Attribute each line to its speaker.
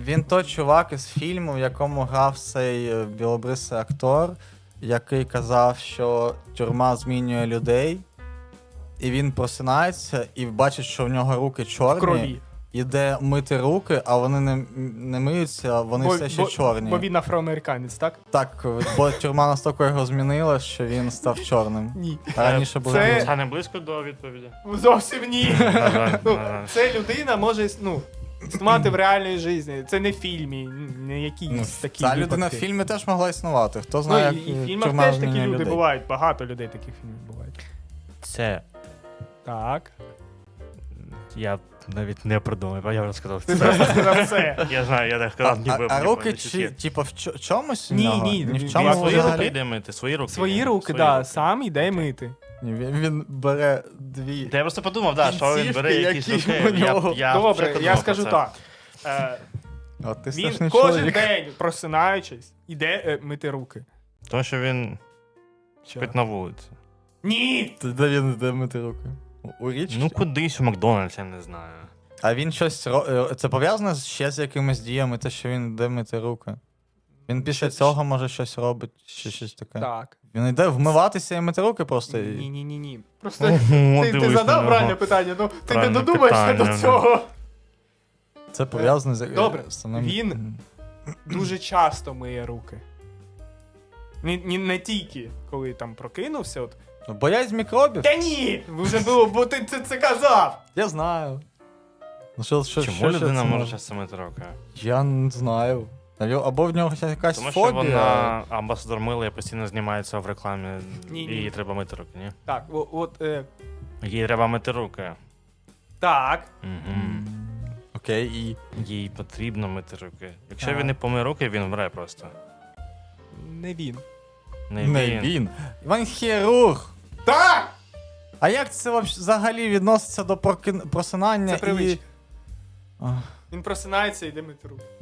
Speaker 1: Він той чувак із фільму, в якому грав цей білобрисий актор, який казав, що тюрма змінює людей, і він просинається і бачить, що в нього руки чорні.
Speaker 2: Крові.
Speaker 1: Іде мити руки, а вони не миються, вони все ще чорні.
Speaker 2: Бо він афроамериканець, так?
Speaker 1: Так, бо тюрма настільки його змінила, що він став чорним.
Speaker 2: Ні.
Speaker 1: А раніше був
Speaker 2: Це-
Speaker 1: білий.
Speaker 3: Це не близько до відповіді.
Speaker 2: Зовсім ні.
Speaker 3: На жаль,
Speaker 2: Ну,
Speaker 3: на жаль.
Speaker 2: це людина може існувати в реальній житті. Це не в фільмі, не якісь такі
Speaker 1: Та людина в
Speaker 2: випадки.
Speaker 1: фільмі теж могла існувати. Хто
Speaker 2: Ну,
Speaker 1: знає,
Speaker 2: і в
Speaker 1: як
Speaker 2: фільмах
Speaker 1: тюрма
Speaker 2: теж такі
Speaker 1: змінює
Speaker 2: люди
Speaker 1: людей.
Speaker 2: бувають. Багато людей таких фільмів бувають.
Speaker 3: Це
Speaker 2: Так.
Speaker 3: я навіть не придумав, я вже сказав.
Speaker 2: Ти просто сказав це.
Speaker 3: Я знаю, я так
Speaker 1: А,
Speaker 3: сказав, ніби.
Speaker 1: а руки
Speaker 3: ніби
Speaker 1: чи,
Speaker 3: є.
Speaker 1: типу, в чомусь? в
Speaker 2: Ні,
Speaker 1: нього?
Speaker 2: ні,
Speaker 1: Ні в
Speaker 2: він
Speaker 1: чому
Speaker 3: А свої руки
Speaker 1: взагалі?
Speaker 3: йде мити, свої руки.
Speaker 2: Свої руки,
Speaker 3: свої
Speaker 2: да,
Speaker 3: руки.
Speaker 2: сам іде мити.
Speaker 1: Ні, він бере дві.
Speaker 3: Та я просто подумав, да, що він
Speaker 1: Кінцівки,
Speaker 3: бере якісь
Speaker 1: які
Speaker 3: руки.
Speaker 1: у нього.
Speaker 2: Добре,
Speaker 3: вже
Speaker 2: я
Speaker 3: подумав
Speaker 2: скажу
Speaker 3: про це.
Speaker 2: так.
Speaker 1: О, ти
Speaker 2: Він
Speaker 1: страшний
Speaker 2: кожен
Speaker 1: чоловік.
Speaker 2: день, просинаючись, іде мити руки.
Speaker 3: Тому що він
Speaker 2: Що?
Speaker 3: спить на вулиці.
Speaker 2: Ні!
Speaker 1: Де він йде мити руки? У річці?
Speaker 3: Ну кудись у Макдональдс, я не знаю.
Speaker 1: А він щось це пов'язано ще з якимись діями, те, що він йде мити руки? Він після
Speaker 2: Що-
Speaker 1: цього може щось робить, чи щось таке.
Speaker 2: Так.
Speaker 1: Він йде вмиватися і мити руки просто.
Speaker 2: Ні. Просто
Speaker 3: Ого,
Speaker 2: ти
Speaker 3: дивись на
Speaker 2: задав
Speaker 3: нього.
Speaker 2: правильне питання, ну ти не
Speaker 3: Правильне
Speaker 2: додумаєшся
Speaker 3: питання,
Speaker 2: до
Speaker 3: ну.
Speaker 2: цього.
Speaker 1: Це пов'язано з
Speaker 2: Добре,
Speaker 1: самим...
Speaker 2: він- Дуже часто миє руки. Не тільки, коли там прокинувся. От.
Speaker 1: Боязнь мікробів?
Speaker 2: Та ні! Вже було, бо ти це казав!
Speaker 1: Я знаю. Ну, що
Speaker 3: Чому
Speaker 1: це
Speaker 3: людина може часто мити руки?
Speaker 1: Я не знаю. Або в нього якась
Speaker 3: Тому що
Speaker 1: фобія.
Speaker 3: вона амбасадор мила і постійно знімається в рекламі.
Speaker 2: Ні.
Speaker 3: Їй треба мити руки, ні?
Speaker 2: Так,
Speaker 3: Їй треба мити руки.
Speaker 2: так.
Speaker 3: Угу.
Speaker 1: Окей, і...
Speaker 3: Їй потрібно мити руки. Якщо
Speaker 2: Так.
Speaker 3: він не помиє руки, він вмре просто.
Speaker 2: Не він.
Speaker 3: Не він.
Speaker 1: Він хірург.
Speaker 2: Так!
Speaker 1: А як це взагалі відноситься до просинання
Speaker 2: Це привичка.
Speaker 1: і... Ах.
Speaker 2: Він просинається і йде мити руки.